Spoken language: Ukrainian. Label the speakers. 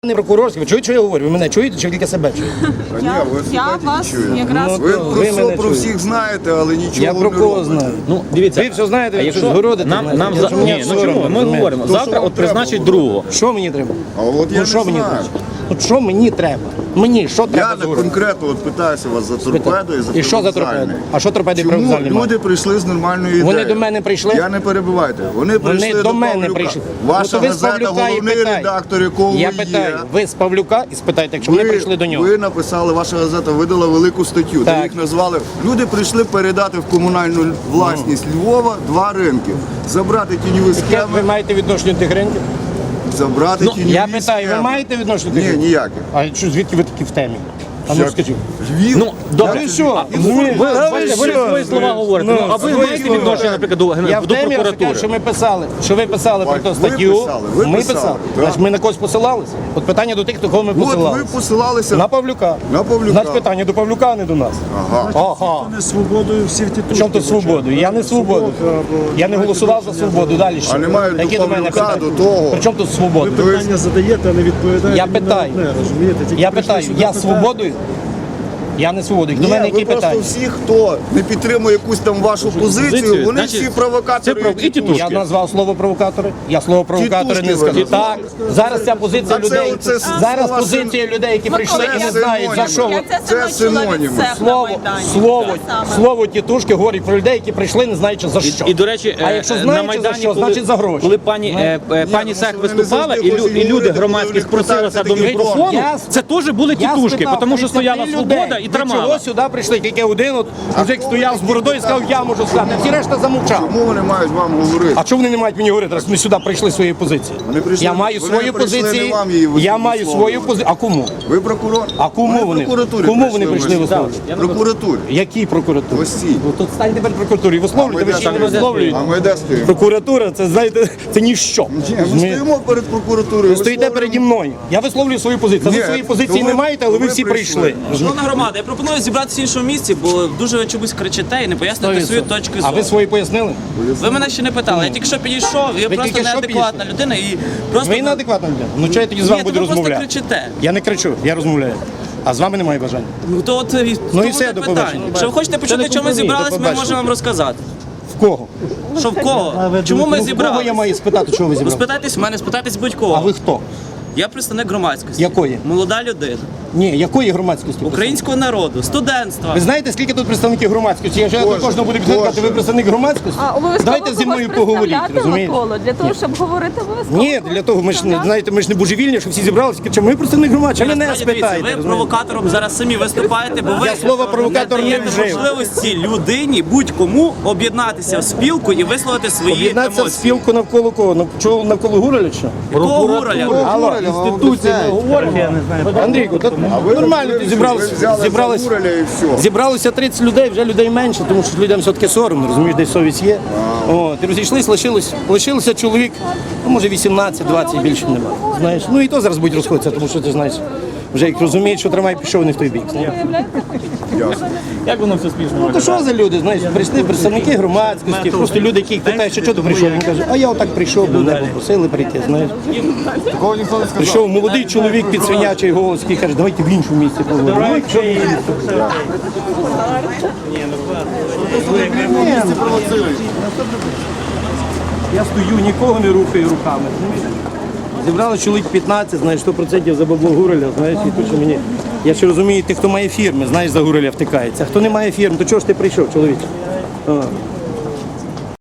Speaker 1: Не прокурорський, ви чуєте, що я говорю? Ви мене чуєте чи тільки себе чуєте?
Speaker 2: Я вас якраз...
Speaker 3: Ви
Speaker 1: ви
Speaker 3: про все
Speaker 1: мене
Speaker 3: про
Speaker 1: чуєте.
Speaker 3: всіх знаєте, але нічого
Speaker 1: Я
Speaker 3: не
Speaker 1: про кого
Speaker 3: робите.
Speaker 1: знаю?
Speaker 4: Ну, дивіться,
Speaker 1: Ви все знаєте, ви щось
Speaker 4: якщо
Speaker 1: городите.
Speaker 4: нам
Speaker 1: знаєте.
Speaker 4: ні, ну чому? Ми говоримо,
Speaker 3: То,
Speaker 4: завтра
Speaker 3: що
Speaker 4: от
Speaker 3: вам треба
Speaker 4: призначать
Speaker 3: говорити.
Speaker 4: другого.
Speaker 1: Що мені треба?
Speaker 3: А от я
Speaker 1: Ну
Speaker 3: не
Speaker 1: що мені
Speaker 3: знаю.
Speaker 1: треба? От що мені треба? Мені що
Speaker 3: Я
Speaker 1: треба?
Speaker 3: не
Speaker 1: зробити?
Speaker 3: конкретно от питаюся вас за торпеду і за
Speaker 1: І що за торпеду?
Speaker 3: привокзальний.
Speaker 1: А що торпеди
Speaker 3: Чому
Speaker 1: привокзальний має?
Speaker 3: люди прийшли з нормальною ідеєю?
Speaker 1: Вони до мене прийшли?
Speaker 3: Я не перебивайте. Вони прийшли
Speaker 1: Вони до мене
Speaker 3: Павлюка.
Speaker 1: прийшли.
Speaker 3: Ваша
Speaker 1: Ну, то ви з
Speaker 3: газета,
Speaker 1: Павлюка і
Speaker 3: головний
Speaker 1: питайте.
Speaker 3: редактор, якого
Speaker 1: Я
Speaker 3: ви
Speaker 1: питаю,
Speaker 3: є.
Speaker 1: ви з Павлюка і спитайте, якщо вони прийшли до нього.
Speaker 3: Ви написали, ваша газета видала велику статтю, де
Speaker 1: Так.
Speaker 3: їх назвали. Люди прийшли передати в комунальну власність Львова 2 ринки. Забрати тіньові
Speaker 1: Яке ви
Speaker 3: схеми,
Speaker 1: маєте відношення до тих ринків?
Speaker 3: забрати тіньові
Speaker 1: Я питаю, ви
Speaker 3: схеми.
Speaker 1: маєте відношення до тих
Speaker 3: Ні,
Speaker 1: ринків?
Speaker 3: ніяких.
Speaker 1: А що, звідки ви такі в темі? А ну
Speaker 3: Як?
Speaker 1: скажіть.
Speaker 3: Львів.
Speaker 4: Ну, добре.
Speaker 1: ви що?
Speaker 4: Ви бачите, ви
Speaker 1: що?
Speaker 4: свої слова говорите. Ну, а ви
Speaker 1: свої
Speaker 4: маєте
Speaker 1: слова.
Speaker 4: відношення, наприклад,
Speaker 1: Я
Speaker 4: до
Speaker 1: в темі,
Speaker 4: прокуратури?
Speaker 1: що ми писали, що ви писали про
Speaker 3: Ви
Speaker 1: ту статтю.
Speaker 3: писали, ви
Speaker 1: Ми
Speaker 3: писали,
Speaker 1: писали.
Speaker 3: так.
Speaker 1: Значить, ми на когось посилались? От питання до тих, до кого ми
Speaker 3: От ви
Speaker 1: посилалися.
Speaker 3: посилалися
Speaker 1: На Павлюка.
Speaker 3: на Павлюка.
Speaker 1: Значить, питання до Павлюка, а не до нас.
Speaker 3: Ага.
Speaker 1: Ага.
Speaker 5: Не свободою всі в тітушки.
Speaker 1: Чому тут свободу? Я не свободу. Я не голосував за свободу. Далі що?
Speaker 3: А немає до
Speaker 1: Які до мене
Speaker 3: Павлюка,
Speaker 1: питання?
Speaker 3: до того.
Speaker 1: При чому тут свобода?
Speaker 5: Ви питання задаєте, а не відповідаєте.
Speaker 1: Я
Speaker 5: ні на
Speaker 1: питаю.
Speaker 5: одне, розумієте? Тільки
Speaker 1: Я
Speaker 5: прийшли
Speaker 1: питаю,
Speaker 5: сюди
Speaker 1: я
Speaker 5: питати.
Speaker 1: свободою? Я не свободою. До
Speaker 3: Ні,
Speaker 1: мене
Speaker 3: ви
Speaker 1: які
Speaker 3: просто
Speaker 1: питання?
Speaker 3: всі, хто не підтримує якусь там вашу позицію,
Speaker 4: позицію,
Speaker 3: вони
Speaker 4: значить,
Speaker 3: всі провокатори.
Speaker 4: це
Speaker 3: і тітушки.
Speaker 1: Я назвав слово провокатори. Я слово провокатори не
Speaker 3: Тітушки ви
Speaker 1: сказав. Так,
Speaker 3: назвали.
Speaker 1: зараз ця позиція
Speaker 3: А це
Speaker 1: людей.
Speaker 3: оце
Speaker 1: Зараз
Speaker 3: слова
Speaker 1: позиція людей, які прийшли і не
Speaker 3: це
Speaker 1: знають за що.
Speaker 3: синоніми.
Speaker 1: ви-
Speaker 3: Це синоніми.
Speaker 1: Слово тітушки говорить про людей, які прийшли, не знаючи за що.
Speaker 4: І, до речі,
Speaker 1: А якщо
Speaker 4: на
Speaker 1: знаєте за
Speaker 4: Майдані,
Speaker 1: що, значить за гроші.
Speaker 4: коли пані
Speaker 3: ну,
Speaker 4: Сех
Speaker 3: що вони не
Speaker 4: виступала,
Speaker 3: завжди
Speaker 4: і
Speaker 3: хочуть
Speaker 4: люди
Speaker 3: говорити,
Speaker 4: громадські
Speaker 3: коли
Speaker 4: спросилися до
Speaker 3: такі
Speaker 4: мікрофону,
Speaker 1: Я-
Speaker 4: це теж були
Speaker 1: Я
Speaker 4: тітушки,
Speaker 1: спитав,
Speaker 4: тому що
Speaker 1: 33
Speaker 4: стояла свобода
Speaker 1: людей.
Speaker 4: і
Speaker 1: Ви
Speaker 4: тримала.
Speaker 1: чого сюди прийшли? Тільки один от мужик стояв з бородою і сказав, я можу сказати. Всі решта замовчав.
Speaker 3: Чому вони мають вам говорити?
Speaker 1: А чому вони не мають мені говорити, раз ми сюди прийшли своєю позицією?
Speaker 3: Вони прийшли-
Speaker 1: Я маю
Speaker 3: вони
Speaker 1: свою
Speaker 3: прийшли
Speaker 1: позицію.
Speaker 3: не вам її
Speaker 1: Я маю свою
Speaker 3: висловлювати.
Speaker 1: позицію. А кому?
Speaker 3: Ви прокурор?
Speaker 1: А кому вони?
Speaker 3: прокуратурі
Speaker 1: Кому вони прийшли
Speaker 3: висловлювати?
Speaker 1: висловлювати?
Speaker 3: Прокуратурі.
Speaker 1: Які прокуратури?
Speaker 3: Ось ці.
Speaker 1: Ну, то стань тепер прокуратурі. Висловлюйте, ви ще не висловлюєте.
Speaker 3: А ми де стоїмо?
Speaker 1: Прокуратура, це, знаєте, це ніщо.
Speaker 3: Ні, ми стоїмо перед прокуратурою.
Speaker 1: Ви стоїте переді мною. Я висловлюю свою позицію.
Speaker 3: Ні,
Speaker 1: Ви свої
Speaker 3: то
Speaker 1: позиції
Speaker 3: ви-
Speaker 1: не маєте, але
Speaker 3: то
Speaker 1: ви
Speaker 3: ви
Speaker 1: всі
Speaker 3: прийшли.
Speaker 1: прийшли.
Speaker 6: Шановна громада, я пропоную зібратися в іншому місці, бо дуже чомусь кричите і не поясните свою точку
Speaker 1: А
Speaker 6: зору.
Speaker 1: ви свої пояснили?
Speaker 6: Ви мене ще не питали. Я тільки що підійшов, я
Speaker 1: Ви
Speaker 6: просто
Speaker 1: тільки що
Speaker 6: неадекватна людина і просто...
Speaker 1: Ви неадекватна людина. Ну чого я тоді з вами
Speaker 6: Ні,
Speaker 1: буду
Speaker 6: то ви просто
Speaker 1: розмовляти?
Speaker 6: кричите.
Speaker 1: Я не кричу, я розмовляю. А з вами немає бажання.
Speaker 6: Ну то от
Speaker 1: Ну і все, до побачення.
Speaker 6: Якщо ви хочете почути,
Speaker 4: не
Speaker 6: чому ми
Speaker 4: компроміс,
Speaker 6: зібрались,
Speaker 1: до
Speaker 6: ми
Speaker 1: побачення.
Speaker 6: можемо вам розказати.
Speaker 1: В кого?
Speaker 6: Що в кого? Чому ми
Speaker 1: Ну, в кого
Speaker 6: зібрались?
Speaker 1: я маю спитати, чого ви
Speaker 6: Ну
Speaker 1: зібрали?
Speaker 6: спитайтесь в мене, спитайтесь
Speaker 1: А
Speaker 6: будь-кого.
Speaker 1: ви хто?
Speaker 6: Я представник громадськості.
Speaker 1: Якої?
Speaker 6: Молода людина.
Speaker 1: Ні, якої громадськості?
Speaker 6: Українського народу, студентства.
Speaker 1: Ви знаєте, скільки тут представників громадськості? Я вже до кожного буду підказати, ви представник громадськості?
Speaker 7: А обов'язково
Speaker 1: Давайте зі мною
Speaker 7: когось
Speaker 1: поговоріть,
Speaker 7: представляти,
Speaker 1: розумієте?
Speaker 7: Миколо, для того, щоб говорити обов'язково.
Speaker 1: Ні, для того ми ж не знаєте, ми ж не божевільні, що всі зібралися. Кричимо, ми представник громадськості, мене
Speaker 6: Насправді, дивіться,
Speaker 1: спитайте.
Speaker 6: ви
Speaker 1: розумієте?
Speaker 6: провокатором зараз самі виступаєте, бо ви
Speaker 1: Я слово провокатор не
Speaker 6: даєте
Speaker 1: вжив.
Speaker 6: можливості людині будь-кому об'єднатися в спілку і висловити свої
Speaker 1: Об'єднатися в
Speaker 6: емоції.
Speaker 1: спілку навколо кого? Навколо Гураля чи що?
Speaker 6: Якого Гураля?
Speaker 1: Алло, інституції ми говоримо. Андрійку, тут нормально ти зібралося 30 людей, вже людей менше, тому що людям все-таки соромно, розумієш, десь совість є. От, і розійшлись, лишилося чоловік, ну, може 18-20, більше немає. Знаєш, ну і то зараз будуть розходитися, тому що ти знаєш, вже як розуміють, що трамвай пішов не в той бік.
Speaker 4: Як воно все спішно?
Speaker 1: Ну то що за люди, знаєш, прийшли представники громадськості, просто люди, які їх питають, що ти прийшов, він каже, а я отак прийшов, бо мене попросили прийти, знаєш. Прийшов молодий чоловік під свинячий голос, який каже, давайте в іншому місці поговоримо. Ну, якщо ви Я стою, нікого не рухаю руками. Зібрали чоловік 15, знаєш, 100% за бабло Гураля, знаєш, і тут що мені. Я ще розумію, тих, хто має фірми, знаєш, за Гураля втикається. А хто не має фірм, то чого ж ти прийшов, чоловік?